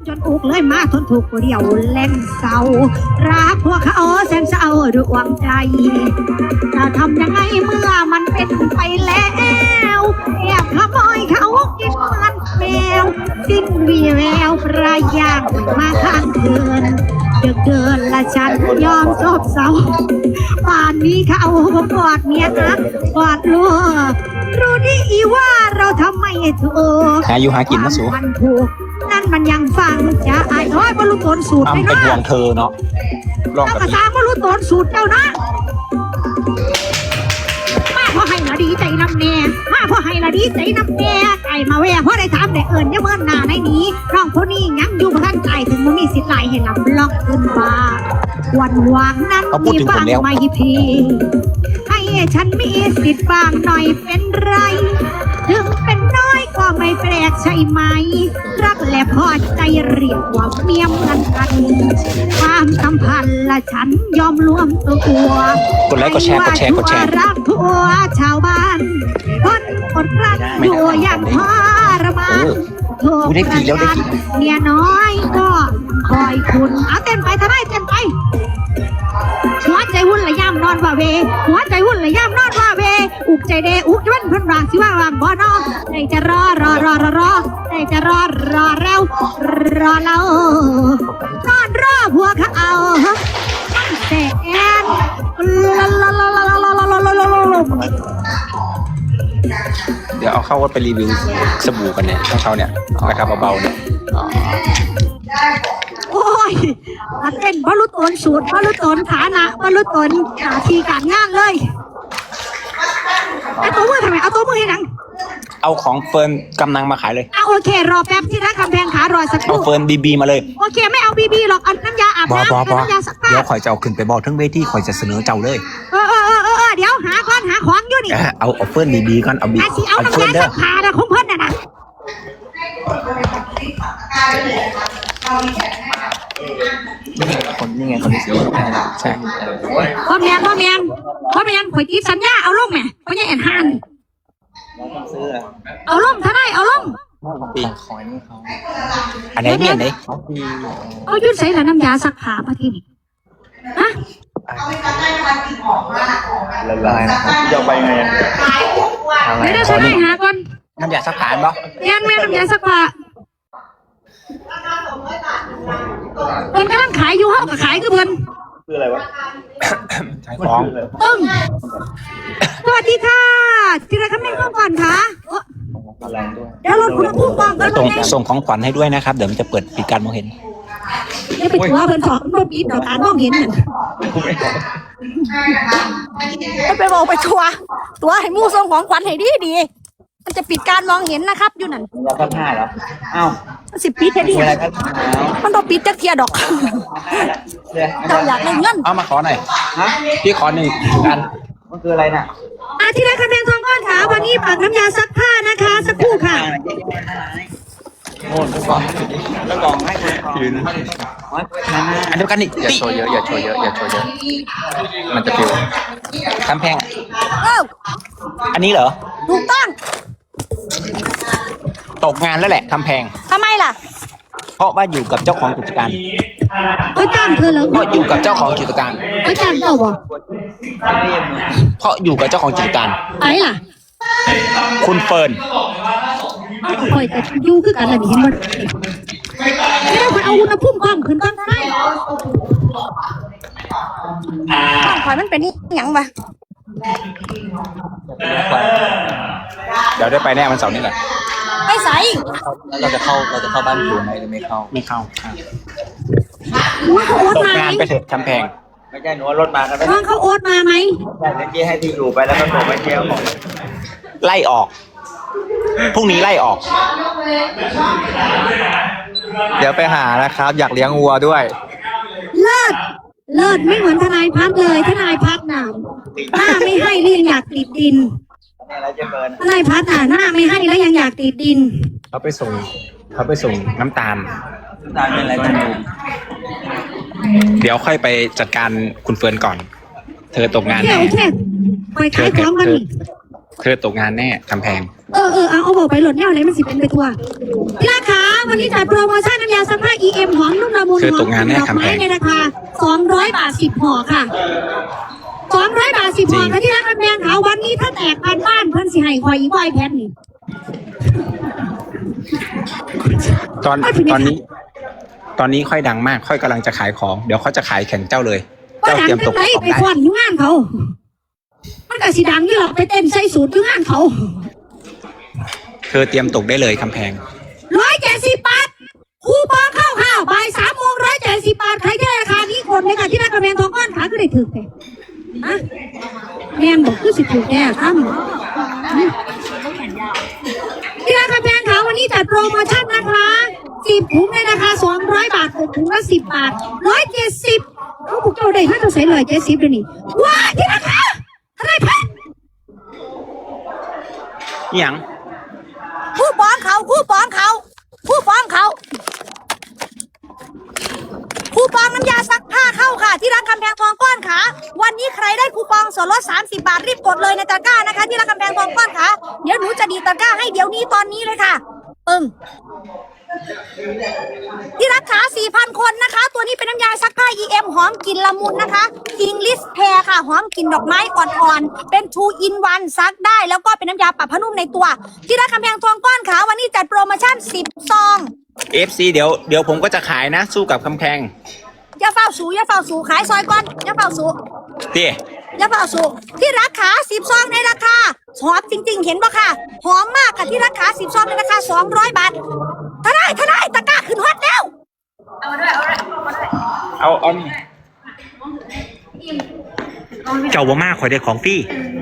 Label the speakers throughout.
Speaker 1: จนอุกเลยมาทนถูกเดียวแล่นเศร้ารักพวกเขาแสนเศร้าด้วยความใจจะทำยังไงเมื่อมันเป็นไปแล้วแอบขโมยเขากินมันแมวสิ้นวีแววประยางมาข้างเกินดึกเดินละฉันยอมซบเศร้าป่านนี้เขากอดเมียนะกอดลูกรู้ดีว่าเราทำไม่ถูก
Speaker 2: หาอยู่หากินนะสู
Speaker 1: มันถูกนั่นมันยังฟังจะอายน้อยบรรลุตนสูตรไปเนาะ
Speaker 2: เป็นห่วงเธอเนาะ
Speaker 1: ลองกับภาษาบรรลุตนสูตรเจ้านะมาพ่อให้ละดีใจน้ำแน่มาพ่อให้ละดีใจน้ำแน่ไก่มาแวะพ่อได้ถามได้เอิญยังเมื่อหน้าในนี้น้องคนนี้ยังอยู่พันใจถึงมันมีสิทธิ์ไหลให้ลำล็อกขึ้นมาวันวางนั้นมีบ้างไม่พีให้ฉันมีสิทธิ์บ้างหน่อยเป็นไรถึงเป็นน้อยก็ไม่แปลกใช่ไหมรักและพอใจเรียกว่าเมียมันกันความสัมพันธ์ละฉันยอมรวมตัว
Speaker 2: กดไลค์กดแชร์
Speaker 1: รักทั่วชาวบ้านคนอดรักอยู่อย่างทรมานถูกประจานเมียน้อยก็คอยคุณเอาเต้นไปทำไมเต้นไปหัวใจวุ่นละย่ำนอนว่าเวหัวใจวุ่นละย่ำนอนว่าเวอุกใจเดอุกจนพันรางสิว่าวางบ่อนอใจจะรอใจจะรอแล้วรอเรานอนรอผัวเขาเอาแสน
Speaker 2: เดี๋ยวเอาเข้าวัดไปรีวิวสบู่กันเนี่ยของเขาเนี่ยราคาเบาๆเนี่ย
Speaker 1: โอ้ยเต้นบรรลุตนสูตรบรรลุตนฐานะบรรลุตนหน้าที่การงานเลยเอาตัวมือทำไมเอาตัวมือให้หนัง
Speaker 2: เอาของเฟิร์นกำลังมาขายเลย
Speaker 1: โอเครอแป๊บที่ร้านคำแพงขารอสักครู่
Speaker 2: เอาเฟิร์นบีมาเลย
Speaker 1: โอเคไม่เอาบีหรอกเอาน้ำยาอาบน้ำน้ำยาซักผ้า
Speaker 2: เดี๋ยวข่อยจะเอาขึ้นไปบอกทั้งเวทีข่อยจะเสนอเจ้าเลย
Speaker 1: เดี๋ยวหาของอยู่นี่
Speaker 2: เอาเฟิร์นบีก่อนเอา
Speaker 1: น้ำยาซักผ้านะของเพิ่นน่ะ
Speaker 2: คนนี่ไงคนที่ซื้อใช่
Speaker 1: พ่อเมียข่อยติดสัญญาเอาลงแม่พ่อใหญ่แอนฮันเอาลงถ้าได้เอาลง
Speaker 2: ปีคอยนี่เขาอันไหนเมียนไหน
Speaker 1: เขายื่นใส่ละน้ำยาซักผ้ามาที่นี่ฮะ
Speaker 2: ละลายนะครับจะไปไง
Speaker 1: ไม่ได้ใช่ไหมหาก่อน
Speaker 2: น้ำยาซักผ้าป่ะ
Speaker 1: ยังแม่น้ำยาซักผ้าเพิ่นกำลังขายอยู่ห้องก็ขายคือเพิ่น
Speaker 3: คืออะไรวะ
Speaker 2: ขายของ
Speaker 1: สวัสดีค่ะที่ร้านคำแพงก่อนค่ะเดี๋ยวรถคุณพุ่งก่อนก็
Speaker 2: ส่งของขวัญให้ด้วยนะครับเดี๋ยวมันจะเปิดปิดการมองเห็น
Speaker 1: ไม่ไปทัวร์เพิ่นของรถปิดต่อการมองเห็นไม่ไปบอกไปทัวร์ตัวให้มู่ส่งของขวัญให้ดีมันจะปิดการมองเห็นนะครับอยู่นั่น
Speaker 3: ยาพันห้าเหรออ้าว
Speaker 1: 10 ปีแค่นี้มันต้องปิดจักเทียดอกเจ้าอยากได้เงิน
Speaker 2: เอามาขอหน่อยพี่ขอ1 อัน
Speaker 3: มันคืออะไรน่ะ
Speaker 1: ที่ร้านคำแพงทองก้อนขาวันนี้ปักน้ำยาซักผ้านะคะสักครู่ค่ะ
Speaker 3: โอ้กล่องแล้วกล่องให้ยืน
Speaker 2: อันเดียวกันนี่อย่าโชว์เยอะมันจะปิวคำแพงอันนี้เหรอ
Speaker 1: ถูกต้อง
Speaker 2: ตกงานแล้วแหละคำแพง
Speaker 1: ทำไมล่ะ
Speaker 2: เพราะว่าอยู่กับเจ้าของกิจการ
Speaker 1: เขาจ้างเธอเหรอ
Speaker 2: เพราะอยู่กับเจ้าของกิจการ
Speaker 1: เขาจ้างเธอบ่
Speaker 2: เพราะอยู่กับเจ้าของกิจการ
Speaker 1: ไอ้ล่ะ
Speaker 2: คุณเฟิร์น
Speaker 1: คอยแต่ยู่คือกันอะไรนี่เห็นบ่ไม่ได้คอยเอาอุณหภูมิกล้องขึ้นก่อนได้คอยมันเป็นหยังวะ
Speaker 2: เดี๋ยวได้ไปแน่วันเสาร์นี้แหละ
Speaker 1: ไปใส่
Speaker 3: แล้วเราจะเข้าบ้านคุณไหมหรือไม่เข้า
Speaker 1: เขาโอ๊ตมาไหม
Speaker 2: งานไปเถอะคำแพง
Speaker 3: ไม่ใช่หนูรถมากัน
Speaker 1: ไหมเขาโอ๊ตมาไหม
Speaker 3: ใช่เมื่อกี้ให้ที่อยู่ไปแล้วก็โทรไปเที่ยวของ
Speaker 2: ไล่ออกพรุ่งนี้ไล่ออกเดี๋ยวไปหานะครับอยากเลี้ยงวัวด้วย
Speaker 1: เลิศไม่เหมือนทนายพัฒน์เลยทนายพัฒน์หน้าไม่ให้แล้วยังอยากติดดินทนายพัฒน์หน้าไม่ให้แล้วยังอยากติดดิน
Speaker 2: เขาไปส่งน้ำตาล
Speaker 3: เป็นอะไรกันอยู่
Speaker 2: เดี๋ยวค่อยไปจัดการคุณเฟิร์นก่อนเธอตกงานแน่
Speaker 1: ไปขายของกัน
Speaker 2: เธอตกงานแน่คำแพง
Speaker 1: เอาบอกไปหลดแนวอะไรมันสิเป็นไปทั่วที่ราคาวันนี้จัดโปรโมชั่นน้ำยาซักผ้า EM หอมนุ่มละมุน
Speaker 2: คือ
Speaker 1: หอ
Speaker 2: ต
Speaker 1: ม
Speaker 2: กงานแน่
Speaker 1: ดอก
Speaker 2: คำแพ
Speaker 1: ไม้
Speaker 2: ง
Speaker 1: ในราคา200 บาท10ห่อค่ะ200 บาท10ห่อค่ะที่ร้านกำแพงขาววันนี้ถ้าแตกบ้านเพิ่นสิให้คอยอีกไอแพดนี่
Speaker 2: ตอนนี้ค่อยดังมากค่อยกำลังจะขายของ เดี๋ยวเขาจะขายแข่งเจ้าเลย
Speaker 1: ก็
Speaker 2: เจ้า
Speaker 1: ดัง
Speaker 2: เตรียมต
Speaker 1: จั
Speaker 2: ก
Speaker 1: งไร
Speaker 2: ของ
Speaker 1: ไป
Speaker 2: ได้
Speaker 1: ควันอยู่งานเขา มันก็สิดังนี่หรอกไปเต้นใส่สูตรอยู่งานเขา
Speaker 2: เธอเตรียมตกได้เลยคำแพง
Speaker 1: 170 บาทคูปองเข้าข่าวบ่าย3 โมง170 บาทใครที่ราคานี้กดเลยค่ะที่ร้านกำแพงทองก้อนขาก็ได้ถึกเลยนะแม่นบอกคือสิถูกแน่ครับที่ร้านกำแพงขาววันนี้จัดโปรโมชั่นนะคะ10 ถุงในราคา200 บาท6 ถุงละ10 บาท170เขาบุกเจ้าได้ถ้าจะใส่170เลยนี่ว้าที่ราคาเท่าไหร่พัน
Speaker 2: นี่หยัง
Speaker 1: คู่ปองเขาคู่ปองเขาคู่ปองเขาคูปองน้ำยาซักผ้าเข้าค่ะที่ร้านกำแพงทองก้อนค่ะวันนี้ใครได้คูปองส่วนลด30 บาทรีบกดเลยในตะกร้านะคะที่ร้านกำแพงทองก้อนค่ะเดี๋ยวหนูจะดีตะกร้าให้เดี๋ยวนี้ตอนนี้เลยค่ะที่รักขา 4,000 คนนะคะ ตัวนี้เป็นน้ำยาซักผ้า EM หอมกลิ่นละมุนนะคะ English Pear ค่ะหอมกลิ่นดอกไม้อ่อนๆเป็น 2 in 1 ซักได้แล้วก็เป็นน้ำยาปรับผ้านุ่มในตัวที่ร้านกำแพงทองก้อนค่ะวันนี้จัดโปรโมชั่น10 ซอง
Speaker 2: FC เดี๋ยวผมก็จะขายนะ สู้กับคำแพง
Speaker 1: อย่าเฝ้าสูขายซอยก่อนอย่าเฝ้าสู
Speaker 2: เตี้ย
Speaker 1: อย่าเฝ้าสูที่ราคา10 ซองในราคาหอมจริงๆเห็นปะค่ะหอมมากค่ะที่ราคา10 ซองในราคา200 บาทถ้าได้ตะกร้าขึ้นฮอตแล้ว
Speaker 2: เอานี่เจ้าบ่มากขอยได้ของพี่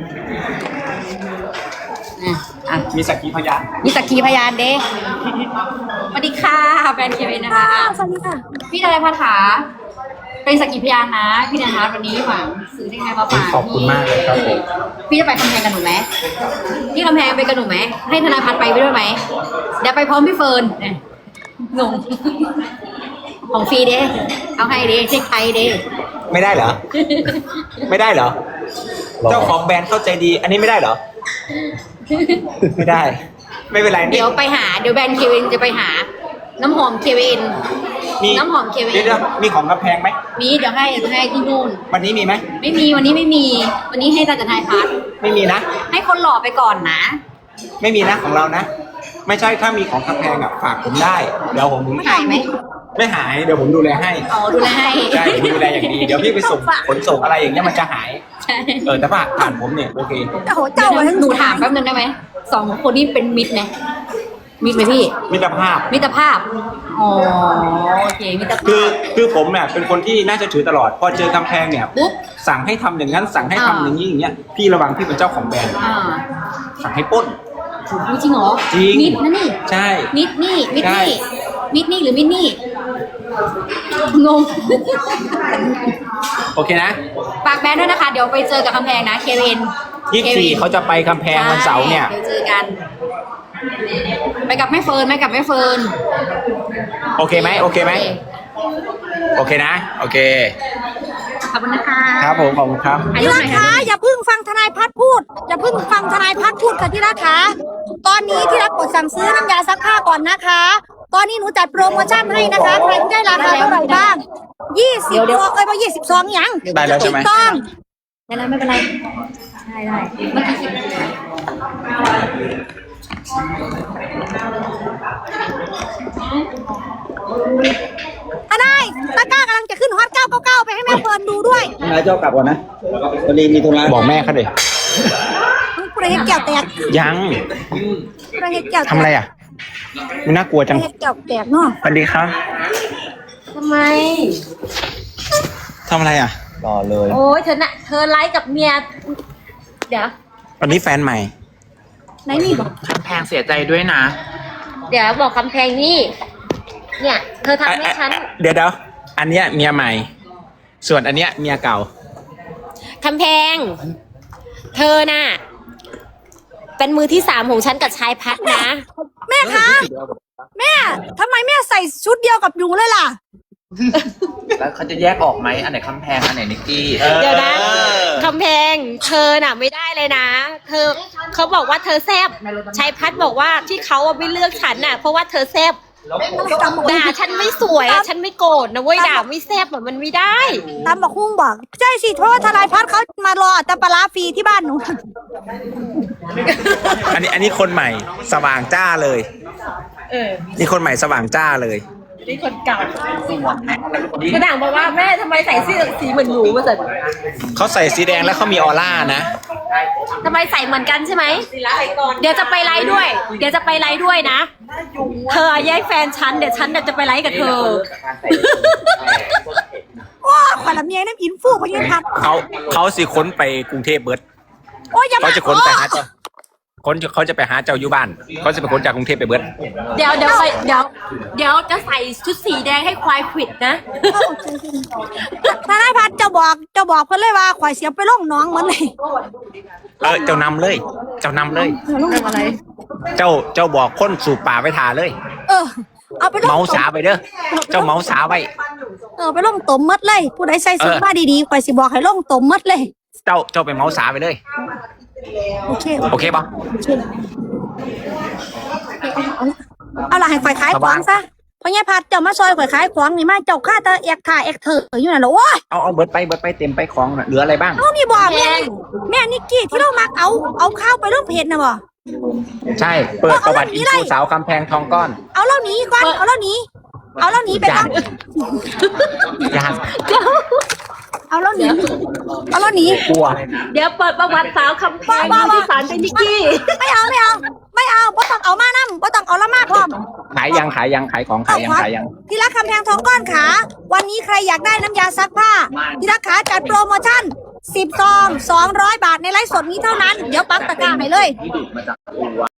Speaker 2: มีสักขีพยาน
Speaker 4: มีสักขีพยานเด้สวัสดีค่ะแฟนเคเวนนะคะ
Speaker 1: สวัสดีค่ะ
Speaker 4: พี่นายพัฒนาเป็นสักขีพยานนะ พี่นายพัฒน์วันนี้หวังซื้อได้ไงมาฝาก
Speaker 2: ขอบคุณมากเลยครับผม
Speaker 4: พี่จะไปกำแพงกับหนูไหมพี่กำแพงไปกับหนูไหมให้ธนายพัฒน์ไปด้วยไหมเดี๋ยวไปพร้อมพี่เฟิร์นเนี่ยงงของฟรีเด้เอาให้เด้เช็คไทยเด้
Speaker 2: ไม่ได้เหรอ ไม่ได้เหรอ เจ้าของแบรนด์เข้าใจดี อันนี้ไม่ได้เหรอ ไม่ได้ ไม่เป็นไร
Speaker 4: เดี๋ยวไปหาเดี๋ยวแบรนด์เคเวนจะไปหา น้ำหอมเคเวน
Speaker 2: มี
Speaker 4: น้ำหอมเคเวน
Speaker 2: เดี๋ยวมีของกำแพงไหม
Speaker 4: มีเดี๋ยวให้ที่นู่น
Speaker 2: วันนี้มีไหม
Speaker 4: ไม่มีวันนี้ไม่มี วันนี้ให้ตาจันทายพัฒน์
Speaker 2: ไม่มีนะ
Speaker 4: ให้คนหล่อไปก่อนนะ
Speaker 2: ไม่มีนะของเรานะ ไม่ใช่ถ้ามีของกำแพงอ่ะฝากผมได้ เดี๋ยวผม
Speaker 4: หายไหม
Speaker 2: ไม่หาย เดี๋ยวผมดูแลให้
Speaker 4: อ๋อดูแลให้
Speaker 2: ใช่ผมดูแลอย่างดี เดี๋ยวพี่ไปส่งขนส่งอะไรอย่างเงี้ยมันจะหาย
Speaker 4: ใช่
Speaker 2: แต่ผ่านผมเนี่ยโอเค
Speaker 1: โอ้โห
Speaker 4: เดี๋
Speaker 1: เจ้า
Speaker 4: ยวหนูถามแป๊บนึงได้ไหมสองคนนี้เป็นมิตรไหมมิตรไหมพี่
Speaker 2: มิตรภาพ
Speaker 4: มิตรภาพอ๋อโอเคมิตรภาพ
Speaker 2: คือผมเนี่ยเป็นคนที่น่าจะถือตลอด พอเจอกำแพงเนี่ย
Speaker 4: ปุ๊บ
Speaker 2: สั่งให้ทำอย่างนั้นสั่งให้ทำอย่างนี้อย่างเงี้ยพี่ระวังพี่เป็นเจ้าของแบรนด์
Speaker 4: อ่า
Speaker 2: สั่งให้ปล้น
Speaker 4: จริงเหรอ
Speaker 2: จริง
Speaker 4: มิตรนะนี่
Speaker 2: ใช่
Speaker 4: มิตรนี่มิตร
Speaker 2: ใช่
Speaker 4: นี่มิตรนี่หรือมิตรนี่งง
Speaker 2: โอเคนะ
Speaker 4: ฝากแบรนด์ด้วยนะคะ เดี๋ยวไปเจอกับกำแพงนะเคเวน
Speaker 2: 24เขาจะไปกำแพงวันเสาร์เนี่ย
Speaker 4: เดี๋ยวเจอกัน ไปกับแม่เฟิร์นไปกับแม่เฟิร์น
Speaker 2: โอเคไหมโอเคไหมโอเคนะ โอเค
Speaker 4: ขอบคุณนะคะ
Speaker 2: ครับผมขอบคุณครับ
Speaker 4: อายุ
Speaker 1: ที่
Speaker 4: ไห
Speaker 1: รั
Speaker 4: น
Speaker 1: ก
Speaker 4: คะ
Speaker 1: ขาอย่าเพิ่งฟังทนายพัฒน์พูดอย่าเพิ่งฟังทนายพัฒน์พูดค่ะที่รักขาตอนนี้ที่รักกดสั่งซื้อน้ำยาซักผ้าก่อนนะคะ ตอนนี้หนูจัดโปรโมชั่นให้นะคะใครที่ได้ราคาเท่าไหร่บ้าง20
Speaker 4: เดี๋ยว
Speaker 1: ซองว่า20 ซองยัง
Speaker 2: ได้แล้วใช่ไหม
Speaker 1: ถูกต้อง
Speaker 4: ไม่เป็นไรได้เมื่อกี้คิด
Speaker 1: ถ้าได้ตะกร้ากำลังจะขึ้นฮอต999ไปให้แม่เฟิร์นดูด้วย
Speaker 3: นายเจ้ากลับก่อนนะพอดีมีธุระ
Speaker 2: บอกแม่เขาดิ
Speaker 1: ประเฮ็ดแก้วแตก
Speaker 2: ยัง
Speaker 1: ประเฮ็ดแก้วแตก
Speaker 2: ทำอะไรอ่ะมันน่ากลัว
Speaker 1: ป
Speaker 2: จัง
Speaker 1: ระเฮ็ดแก้วแตกเนาะ
Speaker 2: สวัสดีครับ
Speaker 4: ทำไม
Speaker 2: ทำอะไรอ่ะ
Speaker 3: รอเลย
Speaker 4: โอ้ยเธอไลฟ์กับเมีย เดี๋ยว
Speaker 2: วันนี้แฟนใหม่
Speaker 1: ไหนนี่บอก
Speaker 5: แพงเสียใจด้วยนะ
Speaker 4: เดี๋ยวบอกคำแพงนี่ เนี่ย เธอทำให้ฉัน
Speaker 2: เดี๋ยวอันเนี้ยเมียใหม่ ส่วนอันเนี้ยเมียเก่า
Speaker 6: คำแพง เธอน่ะ เป็นมือที่3ของฉันกับชายพัดนะ
Speaker 1: แม่คะแม่ทำไมแม่ใส่ชุดเดียวกับหนูเลยล่ะ
Speaker 3: แล้วเขาจะแยกออกไหมอันไหนคำแพงอันไหนนิกกี้
Speaker 6: เดี๋ยวนะคำแพงเธอน่ะไม่ได้เลยนะ เธอเขาบอกว่าเธอแซบชัยพัฒน์บอกว่าที่เขาไม่เลือกฉันน่ะเพราะว่าเธอแซบด่าฉันไม่สวยอะฉันไม่โกรธนะเว้ยด่าไม่แซบอะมันไม่ได้
Speaker 1: ตามบอกหุ้งบอกใช่สิเพราะว่าทนายพัฒน์เขามารอแต่ปลาร้าฟรีที่บ้านหนู
Speaker 2: อันนี้คนใหม่สว่างจ้าเลยนี่คนใหม่สว่างจ้าเลย
Speaker 6: กระด่างบอกว่าแม่ทำไมใส่เสื้อสีเหมือนหนูมาสิ
Speaker 2: เขาใส่สีแดงแล้วเขามีออร่านะ
Speaker 6: ทำไมใส่เหมือนกันใช่ไหมเดี๋ยวจะไปไลฟ์ด้วย เดี๋ยวจะไปไลฟ์ด้วยนะ เธอแย่งแฟนฉันเดี๋ยวฉันจะไปไลฟ์กับเธอ
Speaker 1: ว้าขวัญลำเมียน้ำอินฟูพยังพัก
Speaker 2: เขาสิค้นไปกรุงเทพเบิร์ด
Speaker 1: โอ้ยอย่ามา
Speaker 2: เขาจะค้นไปหาเจ้าเขาจะไปหาเจ้าอยู่บ้านเขาจะไปค้นจากกรุงเทพไปเบิร์ด
Speaker 6: เดี๋ยวจะใส่ชุดสีแดงให้ควายขวิดนะ
Speaker 1: ทนายพัฒน์เจ้าบอกเพิ่นเลยว่าข่อยเสียไปล่องน้องเหมือนเลย
Speaker 2: เจ้านำเลย เจ้านำเลย เจ้าบอกคนสู่ป่าไปทาเลย
Speaker 1: เอาไปล่อง
Speaker 2: เมาสาไปเด้อเจ้าเมาสาไว้
Speaker 1: ไปล่องตมมัดเลย ผู้ใดใส่สุดมาดีๆข่อยสิบอกให้ล่องตมมัดเลย
Speaker 2: เจ้าไปเมาสาไปเลย
Speaker 1: โอเค
Speaker 2: โอเคปะ
Speaker 1: เอาล่ะให้ข่อยขายของซะเพราะไงพัดเจ้ามาซอยข่อยขายของนี่มาเจ้าค่าตาเอกถ่าเอกเถออยู่นั่นเหรอโอ้ย
Speaker 2: เอาเบิร์ดไปเต็มไปของน่ะเหลืออะไรบ้าง
Speaker 1: เอานี่บ่แม่นิกกี้ที่เรามักเอาข้าวไปลงเพจนะบ่
Speaker 2: ใช่เปิดประวัติอินฟูสาวคำแพงทองก้อน
Speaker 1: เอาเหล่านี้ก่อนเอาเหล่านี้ไปก่อน
Speaker 2: ยาก
Speaker 1: เอาเหล่านี้
Speaker 2: กลัว
Speaker 6: เดี๋ยวเปิดประวัติสาวคำแพงที่สารเป็นนิกกี้
Speaker 1: ไม่เอาบ่ต้องเอามานํบ่ต้องเอาละมาพร้อม
Speaker 2: ขายยังขายของขายยัง
Speaker 1: ที่รักคำแพงทองก้อนขาวันนี้ใครอยากได้น้ำยาซักผ้าที่รักขาจัดโปรโมชั่น10 ซอง 200 บาทในไลฟ์สดนี้เท่านั้นเดี๋ยวปักตะกร้าให้เลย